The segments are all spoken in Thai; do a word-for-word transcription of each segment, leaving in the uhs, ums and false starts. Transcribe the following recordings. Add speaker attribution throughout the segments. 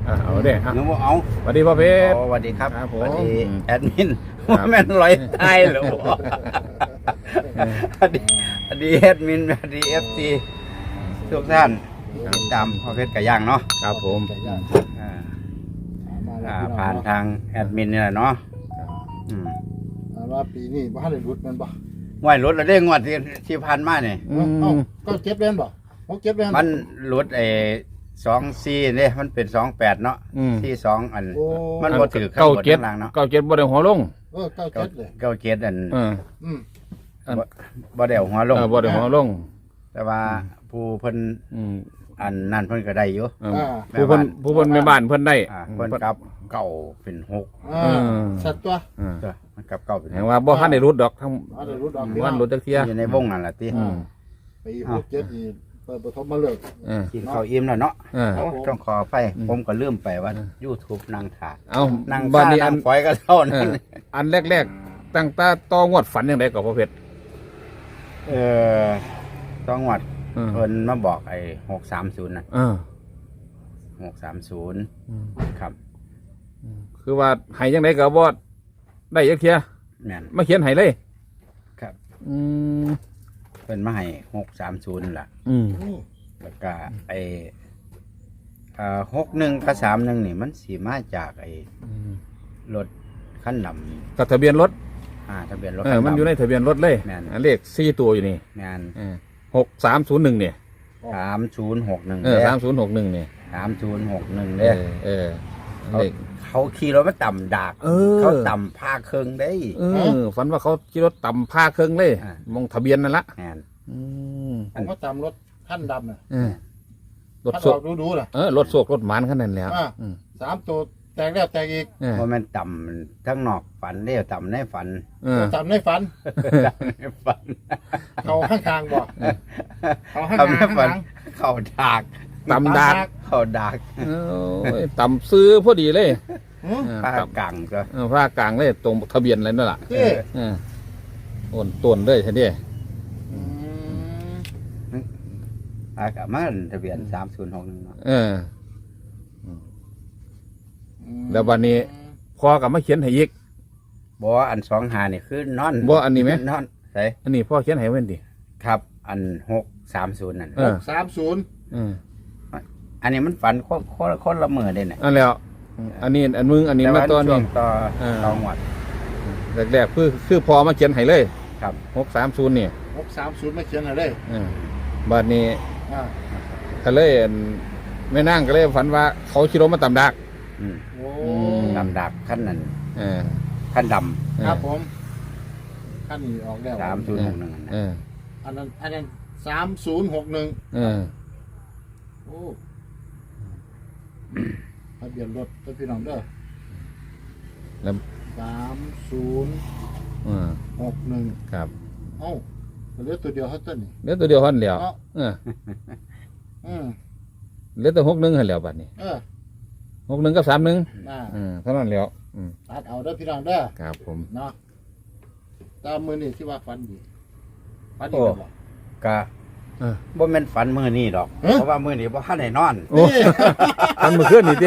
Speaker 1: เอาเด้อ
Speaker 2: หนูเอา
Speaker 1: สวัสดีพ่อเพชร
Speaker 2: สวัสดีครับ
Speaker 1: ครับผ
Speaker 2: ส
Speaker 1: ม
Speaker 2: วัสดีแอดมินว่าแม่นลอยตายเหรอสวัสดีสวัสดีแอดมินสวัสดีเอฟซีทุกท่านติดตามพ่อเพชรไก่ย่างเนาะ
Speaker 1: ครับผม
Speaker 2: อ่าอ่าผ่านทางแอดมินนี่แหละเนาะอืม
Speaker 3: ว่าปีนี้บ้านได้รุดมันบ่
Speaker 2: ไหวรถเราได้งวดที่ที่ผ่านมาเนี่ย
Speaker 1: อื
Speaker 3: เอ้าม ก็เก็บเล่นบ่เขาเก็บเล่น
Speaker 2: มันรถไอ้สองซีเนี่ยมันเป็นสองแปดเนาะ
Speaker 1: อืม
Speaker 2: ที่สองอัน
Speaker 3: โอ้
Speaker 2: มันบ่ถือข้าง
Speaker 1: เก้า
Speaker 2: บน
Speaker 1: เจ็ด
Speaker 2: ข้างล่างเนาะ
Speaker 1: เก้าเจ็ดบ่ได้หัวลง
Speaker 3: เออเก้า
Speaker 2: เก้า
Speaker 3: เจ็ดเลย
Speaker 2: เก้าเจ็ดอัน
Speaker 1: เออ
Speaker 3: อืม
Speaker 1: อัน
Speaker 2: บ่บ่ได้เอาหัวลง
Speaker 1: เออบ่ได้หัวลง
Speaker 2: แต่ว่าผู้เพิ่น
Speaker 1: อืม
Speaker 2: อันนั่นเพิ่นก็ได้อยู่
Speaker 1: เออผู้เพิ่นผู้เพิ่นแม่บ้านเพิ่นได้
Speaker 2: อ่าเพิ่นกับเก่าเป็นหก
Speaker 3: อ่า
Speaker 1: เออ
Speaker 3: สัตว์ตัว
Speaker 1: เออ
Speaker 2: เด้อมันกับเก่าเป็น
Speaker 1: แห่งว่าบ่ทันได้รุดดอกทั้ง
Speaker 3: บ้านได้รุดดอก
Speaker 1: บ้านรุดจักเที่ย
Speaker 2: อยู่ในวงนั่นล่ะติ
Speaker 1: อืม
Speaker 3: ปีหกเจ็ดนี่เปิดปฐมมาเลิก
Speaker 1: เออ
Speaker 2: กินข้าวอิ่มแล้วเนาะ
Speaker 1: เออ
Speaker 2: โอ้ต้องขอไป
Speaker 1: อืม
Speaker 2: ผมก็ลืมไปว่า YouTube นั่งถ่าย
Speaker 1: เอา
Speaker 2: นั่ง
Speaker 1: บ้า
Speaker 2: ท่าน
Speaker 1: นี้
Speaker 2: นั่
Speaker 1: อั
Speaker 2: ง
Speaker 1: น
Speaker 2: ฝอยก็เท่า
Speaker 1: เอ
Speaker 2: นั้น
Speaker 1: ออันแรกๆตั้งแต่ต่องวดฝันจังไดก็พ่อเพชร
Speaker 2: เออต้องวัด
Speaker 1: เออ
Speaker 2: เพิ่นมาบอกไอ้หกสามศูนย์น่ะ
Speaker 1: เออ
Speaker 2: หกสามศูนย์
Speaker 1: อืม
Speaker 2: ครับ
Speaker 1: คือว่าให้จังไดก็บ่ได้จักเที่ย
Speaker 2: แม่น
Speaker 1: มาเขียนให้เลย
Speaker 2: ครับ
Speaker 1: อืม
Speaker 2: เพิ่นมาให้หกสามศูนย์ล่ะ
Speaker 1: อืม
Speaker 3: อืม
Speaker 2: แล้วก็ไอ้อ่าหกหนึ่งกับสามหนึ่งนี่มันสีมาจากไอ้
Speaker 1: อืม
Speaker 2: รถขั้นด
Speaker 1: กับทะเบียนรถ
Speaker 2: ำอ่าทะเบียนรถ
Speaker 1: เอ
Speaker 2: ขั้
Speaker 1: อน มันอยู่ใน
Speaker 2: ดำ
Speaker 1: ทะเบียนรถเลย
Speaker 2: แม่น
Speaker 1: อันเลขสี่ตัวอยู่นี่
Speaker 2: งาน
Speaker 1: หกสามศูนย์หนึ่งเนี่ย
Speaker 2: สามศูนย์หกหนึ่ง
Speaker 1: เออสามศูนย์หกหนึ่งเนี่ย
Speaker 2: สามศูนย์หกหนึ่ง
Speaker 1: เอ
Speaker 2: เด้
Speaker 1: อเออ
Speaker 2: เขา
Speaker 1: เลข
Speaker 2: เขาขี่รถมาต่ำดาก
Speaker 1: เออ
Speaker 2: เขาต่ำพาเครื่องได้
Speaker 1: เออฝันว่าเขาขี่รถต่ำผ้าเครื่องเลย
Speaker 2: อ่า
Speaker 1: มองทะเบียนนั่นละ
Speaker 2: งาน
Speaker 1: อืม
Speaker 3: ผมก็จำรถขั้นดำน่ะ
Speaker 1: เออรถ
Speaker 3: ขั้น
Speaker 1: โศ
Speaker 3: อก อกดูๆน่ะ
Speaker 1: เออรถโศกรถหมานขนาดนั้นแล้ว
Speaker 3: อ่า
Speaker 1: อืม
Speaker 3: สามตัวแตกแล้วแตกอีก
Speaker 1: เออ
Speaker 2: เพราะมันต่ำทั้งนอกฝันเด้อต่ำในฝัน
Speaker 1: เออ
Speaker 3: จำในฝัน
Speaker 2: ต่ำในฝัน
Speaker 3: เขาข้างกลางบ่เขาข้าง
Speaker 2: ต่ำ
Speaker 3: ก
Speaker 2: ใน
Speaker 3: ลาง
Speaker 2: ฝั
Speaker 3: ข้าน ง
Speaker 2: เขาดาก
Speaker 1: ต่ำดาก
Speaker 2: เขาดาก
Speaker 1: เออต่ำซื้อพอดีเลย
Speaker 3: หือ
Speaker 1: เออ
Speaker 2: ปลา
Speaker 1: ต่ำ
Speaker 2: กังก็
Speaker 1: เออผ้ากลางเลยตรงทะเบียนอะไรนั่นแหละ
Speaker 3: เจ้
Speaker 1: เออโอนต้นเลยทีนี้
Speaker 3: อืม
Speaker 2: ปลากะมันทะเบียนสามศูนย์หกหนึ่งเนาะ
Speaker 1: เออ แล้ววันนี้ พอกับมาเขียนให้อีก
Speaker 2: บอกว่าอันสองหานี่คือนอน
Speaker 1: บ่อันนี้ไหม
Speaker 2: นอนใส่
Speaker 1: อันนี้พ่อเขียนให้เว้นดิ
Speaker 2: ครับ อันหกสามศูนย์นั่น
Speaker 1: เอ
Speaker 3: ห
Speaker 1: อ
Speaker 3: กสามศูนย์
Speaker 1: เออ
Speaker 2: อันนี้มันฝันคนคนคนละเมือได้เนี่ย
Speaker 1: อันแล้ว อันนี้อันมึงอันนี้มาตอน
Speaker 2: ช่ว
Speaker 1: นี้
Speaker 2: งต่อ
Speaker 1: เออ
Speaker 2: ต่อหวัด
Speaker 1: แรกๆคือคือพอมาเขียนให้เลย
Speaker 2: ครับ
Speaker 1: หกสามศูนย์นี่
Speaker 3: หกสามศูนย์ไม่เขียนอะไรเลย
Speaker 1: เออบัดนี้
Speaker 3: อ่า
Speaker 1: ก็เลยอั่นแม่นั่งก็เลยฝันว่าเขาขี่รถมาตำดัก
Speaker 2: อืม
Speaker 3: โอ้
Speaker 1: ม
Speaker 2: ลำดับขั้นนั้น
Speaker 1: เออ
Speaker 2: ขั้นด
Speaker 1: เออ
Speaker 3: ครับผมขั้นนี้ออกแล้ว
Speaker 2: ำสามศูนย์หกหนึ่ง
Speaker 1: เออ
Speaker 3: อันนั้นอันนั้นสามศูนย์หกหนึ่ง
Speaker 1: เออ
Speaker 3: โอ้ทะเบียนรถเป็นพี่น้องเด้อ
Speaker 1: แล้ว
Speaker 3: สามศูนย์
Speaker 1: เออ
Speaker 3: หกหนึ่ง
Speaker 1: ครับ
Speaker 3: เอ้าเหลือตัวเดียวเท่านั้นนี่
Speaker 1: เหลือตัวเดียวหันเหลียว
Speaker 3: เนาะ
Speaker 1: เออ
Speaker 3: อืม
Speaker 1: เหลือตัวหกหนึ่งหันเหลียวบัดนี้
Speaker 3: เออ
Speaker 1: หกหนึ่งกับสามหนึ่ง
Speaker 3: น่า
Speaker 1: เออเท่านั้นเหลียวอืม
Speaker 3: ตัดเอาเด้อพี่น้องเด้อ
Speaker 1: ครับผม
Speaker 3: เนาะตามมือนี่ที่ว่าฟันดีฟันดีแล้วบ่
Speaker 2: ก็
Speaker 1: เออ
Speaker 2: บ่แม่นฝันมือนี้ดอก
Speaker 3: เอ๊ะ
Speaker 2: เพราะว่ามือนี้บ่ทันได้นอน
Speaker 1: โอ้ทันเมื่อคืนนี่เด้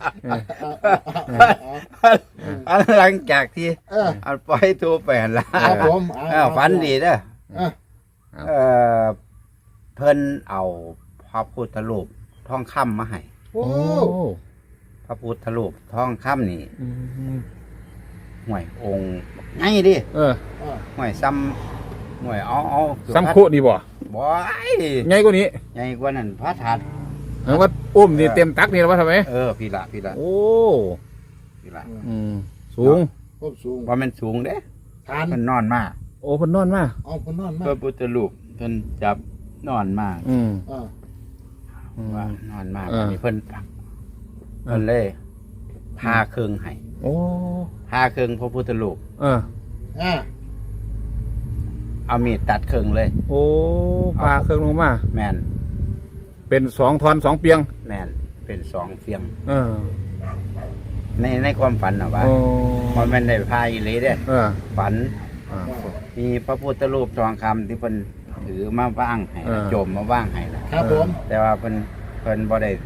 Speaker 3: เอาเอาเอาเอา
Speaker 2: อันหลังจากที่
Speaker 3: เออ
Speaker 2: อันปล่อยตัวไปหั่นละ
Speaker 3: ครับผมเอา
Speaker 2: เออฝันดีเด้อ
Speaker 3: อ่ะ
Speaker 2: เออเพิ่นเอาพระพุทธรูปทองคำมาให้
Speaker 3: โอ้
Speaker 1: โอ้
Speaker 2: พระพุทธรูปทองคำนี่
Speaker 1: อืม
Speaker 2: ห่วยองค์ไงดิ
Speaker 1: เออ
Speaker 3: เออ
Speaker 2: ห่วยซ้ำห่วยเอาเอา
Speaker 1: ซ้ำโคุนี่บ่
Speaker 2: บ่ไอ้
Speaker 1: ไงกว่านี้
Speaker 2: ใหญ่กว่านั้นพระธาตุ
Speaker 1: เออว่าอุ้มนี่เต็มตักนี่แล้วว่าทำไม
Speaker 2: เออพี่ละพี่ละ
Speaker 1: โอ้
Speaker 2: พี่ละ
Speaker 1: อืมสูง
Speaker 3: ก้มสูง
Speaker 2: ว่ามันสูงเด้
Speaker 3: ทาน
Speaker 2: มันนอนมาก
Speaker 1: โอ้เพิ่นนอนมา
Speaker 3: เอาคนนอนมา
Speaker 2: พระพุทธรูปเพิ่นจับนอนมาก
Speaker 1: อืม
Speaker 3: เออ
Speaker 2: ว่านอนมาก
Speaker 1: เออ
Speaker 2: อันนี้เพิ่นเพิ่นเลยพาเครื่องให้
Speaker 1: โอ้
Speaker 2: พาเครื่องพระพุทธรูป
Speaker 1: เออ
Speaker 3: อ่ะ
Speaker 2: เอามีดตัดเครื่องเลย
Speaker 1: โอ้ปลาเครื่องลงมา
Speaker 2: แม่น
Speaker 1: เป็นสองทอนสองเปียง
Speaker 2: แม่นเป็นสองเฟียง
Speaker 1: เออ
Speaker 2: ในในความฝันน่ะว่า
Speaker 1: โอ้
Speaker 2: มันแม่นได้พาอีหลีเด้
Speaker 1: เออ
Speaker 2: ฝัน
Speaker 1: อ่า
Speaker 2: มีพระพุทธรูปทองคำที่เพิ่นถือมาว่างให้
Speaker 1: เออ
Speaker 2: โจมมาว่างให้นะครับ
Speaker 3: ผม
Speaker 2: แต่ว่าเพิ่นเพิ่นบ่ได้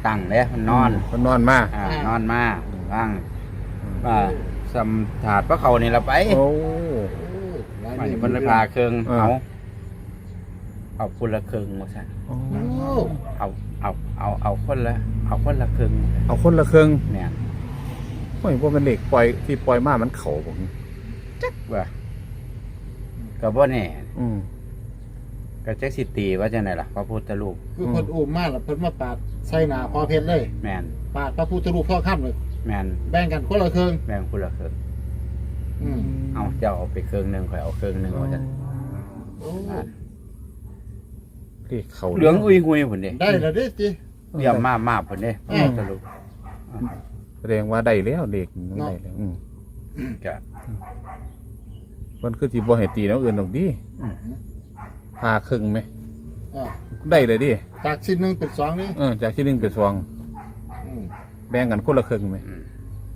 Speaker 2: ตั้งเด้มันนอน
Speaker 1: มันนอนมา
Speaker 2: อ่านอนมาว่างว่าสำถาดพระเขานี่ละไป
Speaker 1: โอ้
Speaker 3: หลาย
Speaker 2: มัน
Speaker 3: มือ
Speaker 2: เพิ่นเลยพาเครื่อง
Speaker 1: เออ
Speaker 2: เอาเอาคนละเครื่องว่าซั่น
Speaker 3: โอ้
Speaker 2: เอาเอาเอาเอาคนละเอาคนละเครื่อง
Speaker 1: เอาคนละเครื่อง
Speaker 2: เนี่ย
Speaker 1: โอ้ยพวกมันเด็กปล่อยที่ปล่อยมามันเข่าผม
Speaker 2: ว่าก็บ่แน่
Speaker 1: อืม
Speaker 2: ก็จักสิตีว่าจังไดล่ะพระพุทธรูป
Speaker 3: คือเพิ่นอุ้มมาแล้วเพิ่นมาปาดใส่หน้าพอเพชรเลย
Speaker 2: แม่น
Speaker 3: ปาดพระพุทธรูปพ่อค่ำเลย
Speaker 2: แม่น
Speaker 3: แบ่งกันคนละครึ่ง
Speaker 2: แบ่งคนละเครื่อง
Speaker 3: อืม
Speaker 2: เอาเจ้าเอาไปเครื่องหนึงข่อยเอาเครื่องหนึงว่าซั่น
Speaker 3: โอ้
Speaker 2: อ่า
Speaker 1: เรียกเขา
Speaker 2: เหลืองอุ้ยหุยพุ่นเด้
Speaker 3: ได้แล้วเด้จิ
Speaker 2: เรียมมามาพุ่นเด้พระพุทธรูป
Speaker 1: แสดงว่าได้แล้วเด็กมันได้แล้วอืม
Speaker 2: ก็
Speaker 1: มันคือสิบ่ให้ตีน้ำอื่นดอกดิพาครึ่งไหม
Speaker 3: อ่า
Speaker 1: ได้เลยดิ
Speaker 3: จากชิ้นหนึงเป็นสองนี่
Speaker 1: เออจากที่หนึ่งเป็นสอง
Speaker 3: อืม
Speaker 1: แบ่งกันคนละครึ่งไหม
Speaker 2: อืม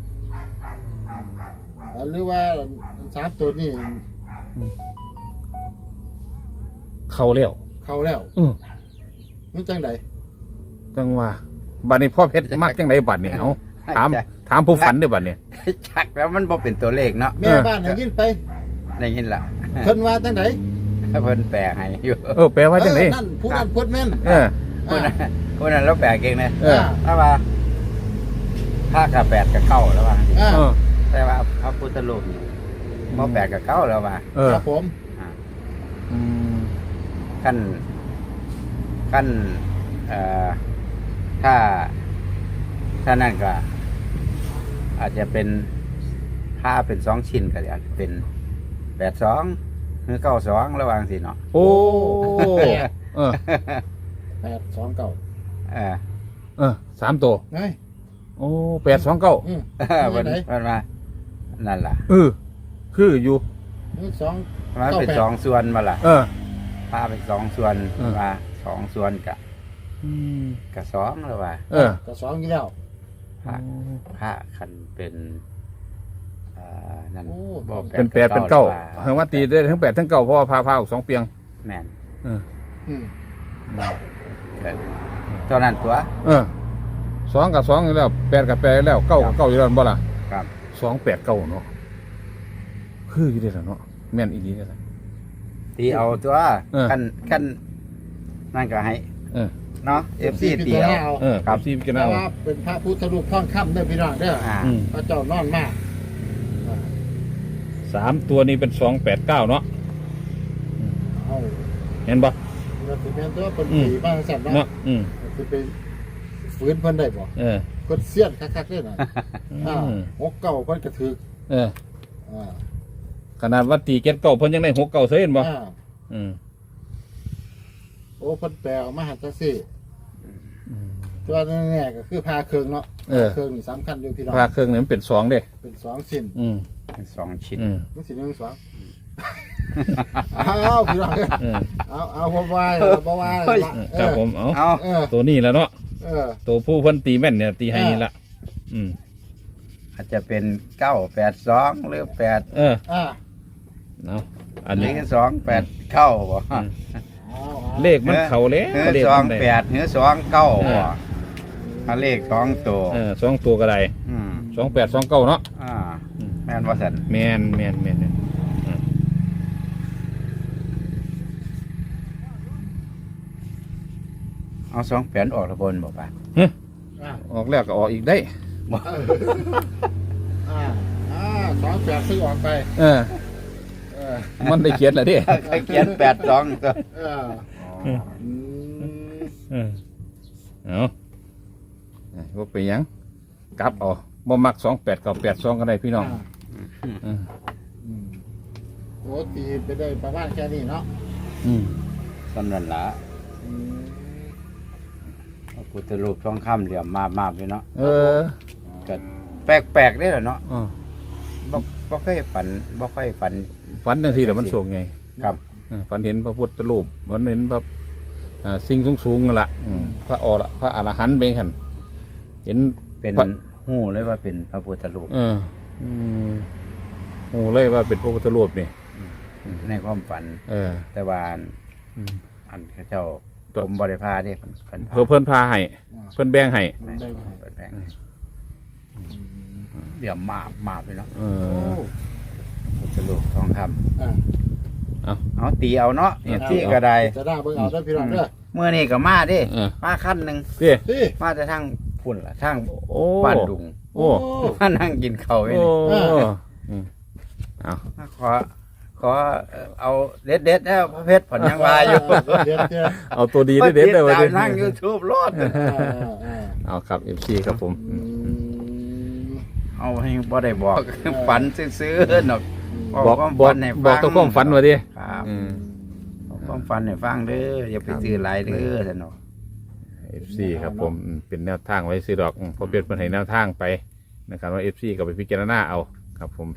Speaker 3: อ่าหรือว่าสามตัวนี่
Speaker 1: เข้าแล้ว
Speaker 3: เข้าแล้ว
Speaker 1: อือ
Speaker 3: มันจังได
Speaker 1: จังว่าบัดนี้พ่อเพชรมักจังไดบัดนี้เอาถามถามผู้ฝันเด้อบัดนี้
Speaker 2: จักแล้วมันบ่เป็นตัวเลขเนาะ
Speaker 3: แม่บ้านได้ยินไป
Speaker 2: ได้ยินล่ะ
Speaker 3: เพิ่นว่าจังได
Speaker 2: เพิ่นแปลให้อยู่
Speaker 1: เออแปลว่าจังได
Speaker 3: เออนั่นผู้นั้นพูดแม่น
Speaker 1: เออ
Speaker 2: คนนั้นคนนั้นเราแปลเก่งนะ
Speaker 1: เออ
Speaker 2: ถ้าว่าถ้ากับแปดกับเก้าแล้วว่า
Speaker 3: อ่า
Speaker 1: เออ
Speaker 2: แต่ว่าพระพุทธรูปนี่บ่แปดกับเก้าแล้วว่า
Speaker 1: เออ
Speaker 3: ครับผม
Speaker 2: อ่า
Speaker 1: อืม
Speaker 2: ขั้นขั้นเอ่อถ้า ถ้านั่นก็ อาจจะเป็นถ้าเป็นสองชิ้นก็อาจจะเป็นแปดสองหรือเก้าสองระหว่างสิเนาะ
Speaker 1: โอ้เออ
Speaker 3: แปดสองเก้า
Speaker 2: เออ
Speaker 1: เออสามตัว
Speaker 3: ไง
Speaker 1: โอ้แปดสองเก้า
Speaker 3: อืม
Speaker 2: เพิ่นเพิ่นมานั่นล่ะ
Speaker 1: เออคืออยู่
Speaker 3: นี่สอง
Speaker 2: มันเป็น
Speaker 3: เก้าแปด
Speaker 2: สองส่วนมาล่ะ
Speaker 1: เออ
Speaker 2: พาเป็นสองส่วน
Speaker 1: เออ
Speaker 2: มาสองส่วนกะ
Speaker 1: อืม
Speaker 2: กะสองแล้วว่า
Speaker 1: เออ
Speaker 3: ก็สองอยู่แล้ว
Speaker 2: พระพระคันเป็นอ่านั่น
Speaker 3: โอ้
Speaker 2: บ่
Speaker 1: เป็นแปดเป็นเก้า
Speaker 2: แล้ว
Speaker 1: เฮาว่าตีได้ทั้งแปดทั้งเก้าเพราะว่าพาพาออกสองเปียง
Speaker 2: แม่น
Speaker 1: เออ
Speaker 3: อืม
Speaker 2: เกิดเท่านั้นตัว
Speaker 1: เออสองกับสองอยู่แล้วแปดกับแปดอยู่แล้วเก้ากับเก้าอยู่แล้วบ่ล่ะ
Speaker 2: ครับ
Speaker 1: สองแปดเก้าเนาะคืออยู่เด้อเนาะแม่นอีดีเด้อ
Speaker 2: ตีเอาตัว
Speaker 1: เออ
Speaker 2: ขั้นขั้นนั่นก็ให้
Speaker 1: เออ
Speaker 2: เนาะ เอฟ ซี ตี
Speaker 3: ตัว
Speaker 2: เอา
Speaker 3: เอา
Speaker 1: เออครับซีกัน
Speaker 3: แต่
Speaker 1: เอา
Speaker 3: ว่าเป็นพระพุทธรูปท่องค่ำเด้อพี่น้องเด้อ
Speaker 2: อ่า
Speaker 1: อืม
Speaker 3: พระเจ้านอนมากอ่า
Speaker 1: สามตัวนี้เป็นสองแปดเก้าเนาะ
Speaker 3: เอา
Speaker 1: เห็นปะ
Speaker 3: เราสิแม่นตัวเป็น
Speaker 1: อืม
Speaker 3: ผีบ้างสั่น
Speaker 1: เนาะ
Speaker 3: เนาะ
Speaker 1: อืม
Speaker 3: สิไปฝืนเพิ่นได้บ่
Speaker 1: เออ
Speaker 3: เพิ่นเสี้ยนคักๆเลยน่ะอ่า
Speaker 1: อืม
Speaker 3: หกเก้าเพิ่นก็ถึก
Speaker 1: เออ
Speaker 3: อ่า
Speaker 1: ขนาดว่าตีเก็ตเก่าเพิ่นยังได้หกเก่าเสียเห็นบ่
Speaker 3: อ่า
Speaker 1: อืม
Speaker 3: โอ้เพิ่นแปลออกมาหันจังซี่ตัวแน่ๆก็คือพาเครื่องเนาะ
Speaker 1: เออ
Speaker 3: พาเครื่องนี่สำคัญอยู่พี่น้อง
Speaker 1: พาเครื่องนี่มันเป็นสองเด้
Speaker 3: เป็นสองสิ้น
Speaker 1: อืม
Speaker 2: สองชิ้น
Speaker 1: อืม
Speaker 3: มันสิหนึ่งสองเอาพี่น้อง
Speaker 1: เออ
Speaker 3: เอาเอาผมว่าบ่ว่า
Speaker 1: เออครับผมเอา
Speaker 2: เอา
Speaker 3: เออ
Speaker 1: ตัวนี้แหล้วเนาะ
Speaker 3: เออ
Speaker 1: ตัวผู้เพิ่นตีแม่นเนี่ยตีให้นี่ละอืม
Speaker 2: อาจจะเป็นเก้าแปดสองหรือแปด
Speaker 1: เออ
Speaker 3: อ่า
Speaker 1: เอาอัน
Speaker 2: หรื
Speaker 1: นี้
Speaker 2: อสองแปดเก้าบ่
Speaker 1: อืม
Speaker 3: เอาเอา
Speaker 1: เลขมันเข่าแล้ว
Speaker 2: หรือ
Speaker 1: เลข
Speaker 2: สอง
Speaker 1: มันได้
Speaker 2: แปดหรือสองเก้า
Speaker 1: เอ
Speaker 2: บ่
Speaker 1: อ
Speaker 2: ถ้าเลขสองตัว
Speaker 1: เออสองตัวก็ได้
Speaker 2: อืม
Speaker 1: สองแปดสองเก้าเนาะ
Speaker 2: อ่า
Speaker 1: อืม
Speaker 2: แม่นว่าสัน
Speaker 1: แม่นแม่นแม่นแม่นอืม
Speaker 2: เอาสองแปดออกระบนบอกป่ะ
Speaker 3: อ่า
Speaker 1: ออกแล้วก็ออกอีกได้
Speaker 3: อ่าอ่าสองแปดซื้อออกไป
Speaker 1: เออ
Speaker 3: เออ
Speaker 1: มันได้เขียนแล้วเดิ
Speaker 2: ใครเขียนแปดสองตัว
Speaker 3: เอออืม
Speaker 1: เออเอาว่าไปนหยังกลับเอาบ่มักสองแปดกับแปดสองก็ได้พี่น้อง
Speaker 3: อ่า
Speaker 1: อืม
Speaker 3: อืมโอ้ตีไปได้ประมาณแค่นี้เนาะ
Speaker 1: อืม
Speaker 2: สำนันละ
Speaker 3: อืม
Speaker 2: พระพุทธรูปทองคำเหลี่ยมมามาไปเนาะ
Speaker 1: เออ
Speaker 2: ก็แปลกๆได้เหรอเนาะ
Speaker 1: อ๋อ
Speaker 2: บ่บ่เคยฝันบ่ค่อยฝัน
Speaker 1: ฝันจังทีแต่มันสูงไง
Speaker 2: ครับ
Speaker 1: เออฝันเห็นพระพุทธรูปฝันเห็นพระอ่าสิ่งสูงๆนั่นล่ะอืมพระอรพระอรหันต์เป็นขันเห็น
Speaker 2: เป็น
Speaker 1: พระ
Speaker 2: หู้เลยว่าเป็นพระพุทธรูป
Speaker 1: เอออืมโอ้เลยว่าเป็นพระพุทธรูปนี่
Speaker 2: ในความฝัน
Speaker 1: เออ
Speaker 2: แต่ว่า
Speaker 1: อืม
Speaker 2: อันเขาเจ้า
Speaker 1: ตัว
Speaker 2: ผมบริพาเด้เพิ่นเพิ่น
Speaker 1: เพิ่นเพิ่นพาให้เพิ่นแบ่งให้
Speaker 2: แม่นเพิ่นแบ่งเดี๋ยวมาบมาบไปเนาะ
Speaker 1: เอ
Speaker 3: โอ้
Speaker 1: อ
Speaker 2: สรุปทองคำ
Speaker 3: อ่า
Speaker 2: เอาตีเอาเนาะเนี่ยที่ก็ได้
Speaker 3: จะได้เบิ่งเอาได้อพี่น้องเด้อ
Speaker 2: เมื่อนี้ก็มาเดิ
Speaker 1: เออ
Speaker 2: มาขั้นหนึ่ง
Speaker 1: เด้
Speaker 3: พี่
Speaker 2: มาจะทั้งพุ่นละทั้ง
Speaker 1: โอ้
Speaker 2: บ้านดุง
Speaker 1: โอ้
Speaker 2: มานั่งกินข้าวไว้
Speaker 1: โอ้
Speaker 2: นี่
Speaker 1: อืมเอา
Speaker 2: มาขอ ขอเอาเด็ดเด็ดๆแล้วพระเพชรผ่อนยังวายอยู่
Speaker 3: เดี๋ยวเดี๋ยว
Speaker 1: เอาตัวดีได้เด็ดเลย
Speaker 2: พ
Speaker 1: วัน
Speaker 2: ระพ
Speaker 1: นี้
Speaker 2: ชรตามนั่งยูทูบรอด
Speaker 3: อ่าอ่า
Speaker 1: เอาครับเอฟซีครับผม
Speaker 3: อืม
Speaker 2: เอาให้บ่ได้บอกฝันซื้อๆหนอก
Speaker 1: บอก
Speaker 2: ความ
Speaker 1: บอก
Speaker 2: ฝันให้ฟัง
Speaker 1: บอกตัวความฝันมาดิ
Speaker 2: ครับ
Speaker 1: อืม
Speaker 2: บอกความฝันให้ฟังเด้ออย่าไปซื้อหลายเด้อท่านเนาะ
Speaker 1: เอฟซีครับผมอืมเป็นแนวทางไว้ซื้อดอกอืมพอเปลี่ยนเป็นให้แนวทางไปนะครับว่าเอฟซีก็ไปพิจารณาเอาครับผม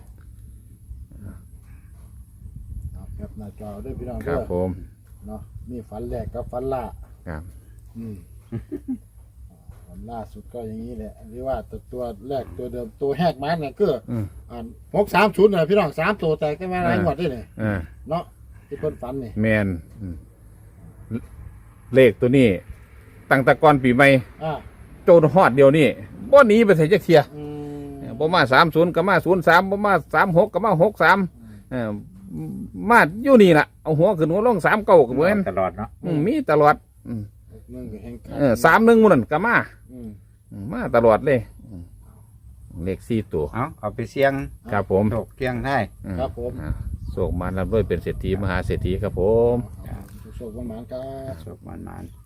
Speaker 3: เอาครับหน้าจอด้วยพี่น้อง
Speaker 1: ครั
Speaker 3: เด้
Speaker 1: บ
Speaker 3: อ
Speaker 1: ผม
Speaker 3: เนาะนี่ฝันแรกกับฝันล่า
Speaker 1: ครับ
Speaker 3: อืมฝันล่าสุดก็อย่างนี้แหละหรือว่าตัวตัวแรกตัวเดิมตัวแหกมันเนี่ยก็
Speaker 1: อืม
Speaker 3: อ่านหกสามศูนย์เนี่ยพี่น้องสามตัวแตกได้ไหมอะไรหมดด้วยเนี่ย
Speaker 1: อ่า
Speaker 3: เนาะที่เพิ่นฝันนี่
Speaker 1: แมนอืมเลขตัวนี้ตั้งแต่ก่อนปีใหม่
Speaker 3: อ่า
Speaker 1: โจนฮอดเดียวนี่บ่หนีไปใส่จักเทีย
Speaker 3: อืม
Speaker 1: บ่มาสามศูนย์ก็มาศูนย์สามบ่มาสามหกก็มาหกสามเออมาอยู่นี่ล่ะเอาหัวขึ้นหัวลงสามเก้าก็เหมือน
Speaker 2: ตลอดเนาะ
Speaker 1: อืมมีตลอดอืม
Speaker 3: หนึ่งก็แห่งขัน
Speaker 1: เออสามหนึ่งหมันนก็มา
Speaker 3: อืม
Speaker 1: อืมมาตลอดเลยอืมเลขสี่ตัว
Speaker 2: เอาเอาไปเสี่ยง
Speaker 1: ครับผม
Speaker 2: โชคเสี่ยงได้
Speaker 1: อื
Speaker 3: ครับผม
Speaker 1: อ่าโศกมาลำด้วยเป็นเศรษฐีมหาเศรษฐีครับผม
Speaker 3: โชคประมาณครับ
Speaker 2: โชคมันๆ